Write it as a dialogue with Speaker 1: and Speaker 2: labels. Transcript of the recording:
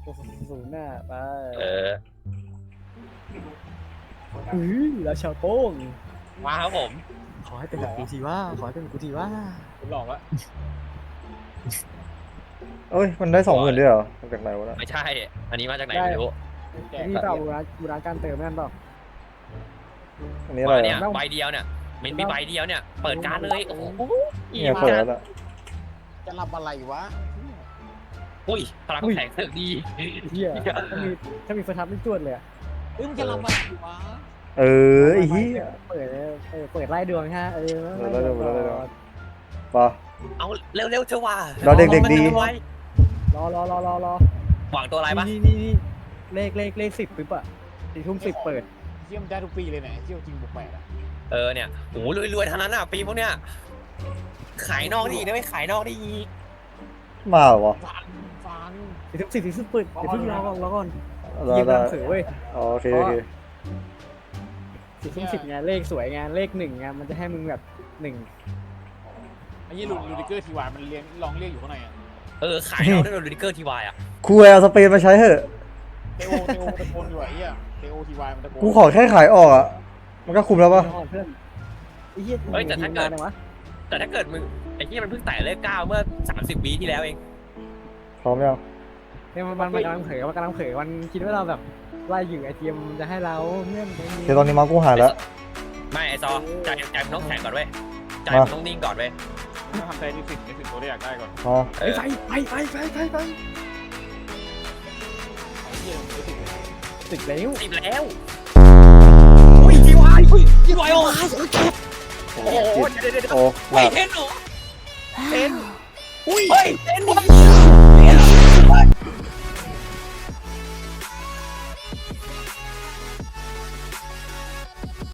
Speaker 1: ศูนย์หน้าไป แล้วชาวโป้ง
Speaker 2: มาครับผม
Speaker 1: ขอให้เป็นแบบกูทีว่าขอให้เป็นกูทีว่า
Speaker 3: คุณหลอกแล้ว
Speaker 4: เอ้ยมันได้20,000ด้วยเหรอมาจากไหนวะเนี่ย
Speaker 2: ไม่ใช่ อันนี้มาจากไหนไม่รู้
Speaker 1: นี่เปล่าบูราการเติมนั่นเปล่า
Speaker 4: อันนี้อะไร
Speaker 2: เนี่ย
Speaker 4: อ่ะ
Speaker 2: ใบเดียวเนี่ยมันมีใบเดียวเนี่ย เปิดการเลยโอ้โห
Speaker 4: เนี่ยเปิดแล้วอะ
Speaker 3: จะรับอะไรวะ
Speaker 2: อุ้ยพลังแข็งเสือกดี
Speaker 1: เฮียถ้ามีเฟอร์ทับไม่จวดเลย
Speaker 3: มึงจะรับอะไรวะ
Speaker 4: เออไอ้เหี้ย
Speaker 1: เปิดไล่ดวงฮะ
Speaker 4: ปะ
Speaker 2: เอาเร็วๆเถอะว่ะ
Speaker 4: เราเด็กๆดี
Speaker 1: รอ
Speaker 2: หวังตัวอะไรปะ
Speaker 1: นี่เลข10ปึ๊บอ่ะ4:10เปิด
Speaker 3: เที่ยวมันได้ทุกปีเลยเนี่ยเที่ยวจริงบุกแปดอะ
Speaker 2: เนี่ยโอ้รวยๆทั้งนั้นอ่ะปีพวกเนี้ยขายนอกดีนะไม่ขายนอกได้อีก
Speaker 4: มาเหรอวะ
Speaker 3: ฟัง
Speaker 1: 4:10เปิดเดี๋ยวเพิ่งรอก่อน
Speaker 4: ได้
Speaker 1: ยิง
Speaker 4: ได้
Speaker 1: ตามสื่อเว้ย
Speaker 4: โอเค
Speaker 1: 4:10ไงเลขสวยไงเลข1ไงมันจะให้มึงแบบ1
Speaker 3: ไอ้ยี่ลูดิเกอร์ทีวายมันเรียนลองเรียกอยู่ข้างในอะ
Speaker 2: ขายนอกได้โดนลูดิเกอร์ทีวายอ่ะ
Speaker 4: คูแอลสเปนมาใช้เถอะ
Speaker 3: เตโอตะโกนอยู่ไอ้เหี้ยเตโอทีวายมันตะโกน
Speaker 4: กูขอแค่ขายออกอ่ะมันก็คุมแล้วปะ
Speaker 1: เพื่อนไอ้เหี้ย
Speaker 2: แต่ถ้าเกิดมึงไอ้ที่มันเพิ่งไต่เลข9เมื่อ30 ปีที่แล้วเอง
Speaker 4: พร้อมยัง
Speaker 1: เนี่ยมันกำลังเผยมันคิดว่าเราแบบไล่อยู่ไอทีมจะให้เราเงื่อน
Speaker 4: เดี๋ยวตอนนี้มากูหายแล้ว
Speaker 2: ไม่ไอซอใจมันต้องแข็งก่อนเว้ยใจมันต้องนิ่งก่อนเว้ย
Speaker 3: ต้องทำใจในสิ่งตัวที่อยากได้ก่อน
Speaker 4: อ๋อ
Speaker 1: ไป
Speaker 3: ไอ้เหี้ยมันไม่ติดเลย
Speaker 1: ติดแล้ว
Speaker 2: ติดแล้วอุ้ยทีวายทีวายโอ้โหเดี๋ยว
Speaker 4: โอ้ห
Speaker 2: เฮ้
Speaker 4: ลั
Speaker 2: ย
Speaker 4: บ
Speaker 2: เทนเหรอเทนอุ้ยเฮ้ยเทน